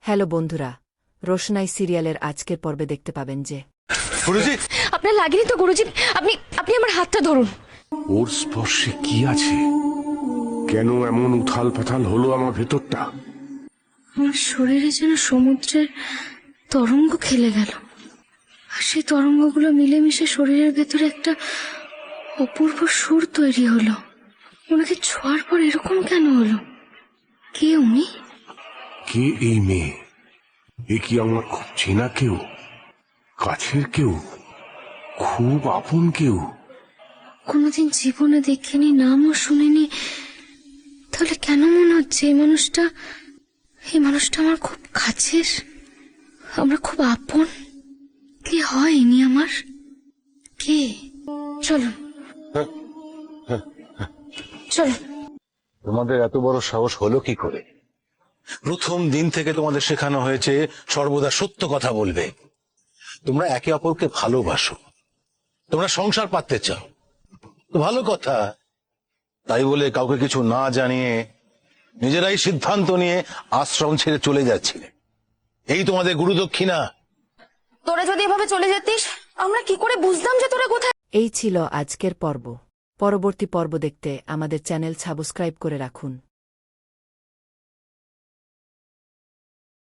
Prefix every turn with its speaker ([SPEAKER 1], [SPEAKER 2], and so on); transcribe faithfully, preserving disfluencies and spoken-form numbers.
[SPEAKER 1] Hello বন্ধুরা, রোশনাই সিরিয়ালের আজকের পর্বে দেখতে পাবেন যে
[SPEAKER 2] গুরুজি,
[SPEAKER 3] আপনার লাগেনি তো গুরুজি? আপনি আপনি আমার হাতটা ধরুন।
[SPEAKER 4] ওর স্পর্শে কি আছে? কেন এমন উথাল পাথাল হলো আমার ভেতরটা?
[SPEAKER 3] আমার শরীরে যেন সমুদ্রের তরঙ্গ খেলে গেল, আর সেই তরঙ্গগুলো মিলেমিশে শরীরের ভেতরে একটা অপূর্ব সুর তৈরি হলো। ওনাকে ছোঁয়ার পর এরকম কেন হলো? কে উনি?
[SPEAKER 4] কে এই মেয়ে? এ কি আমার খুব চেনা কেউ, কাছের কেউ, খুব আপন কেউ?
[SPEAKER 3] কোনোদিন জীবনে দেখিনি, নামও শুনিনি, তাহলে কেন মনে হচ্ছে এই মানুষটা এই মানুষটা আমার খুব কাছের, আমরা খুব আপন? কে হয় ইনি আমার? কে? চলুন চলুন।
[SPEAKER 2] তোমাদের এত বড় সাহস হলো কি করে? প্রথম দিন থেকে তোমাদের শেখানো হয়েছে সর্বদা সত্য কথা বলবে। তোমরা একে অপরকে ভালোবাসো, তোমরা সংসার পাততে চাও, তো ভালো কথা। তাই বলে কাউকে কিছু না জানিয়ে নিজেরাই সিদ্ধান্ত নিয়ে আশ্রম ছেড়ে চলে যাচ্ছিলে। এই তোমাদের গুরুদক্ষিণা।
[SPEAKER 3] তোরা যদি এভাবে চলে যেতিস, আমরা কি করে বুঝতাম যে তোরা কোথায়?
[SPEAKER 1] এই ছিল আজকের পর্ব। পরবর্তী পর্ব দেখতে আমাদের চ্যানেল সাবস্ক্রাইব করে রাখুন।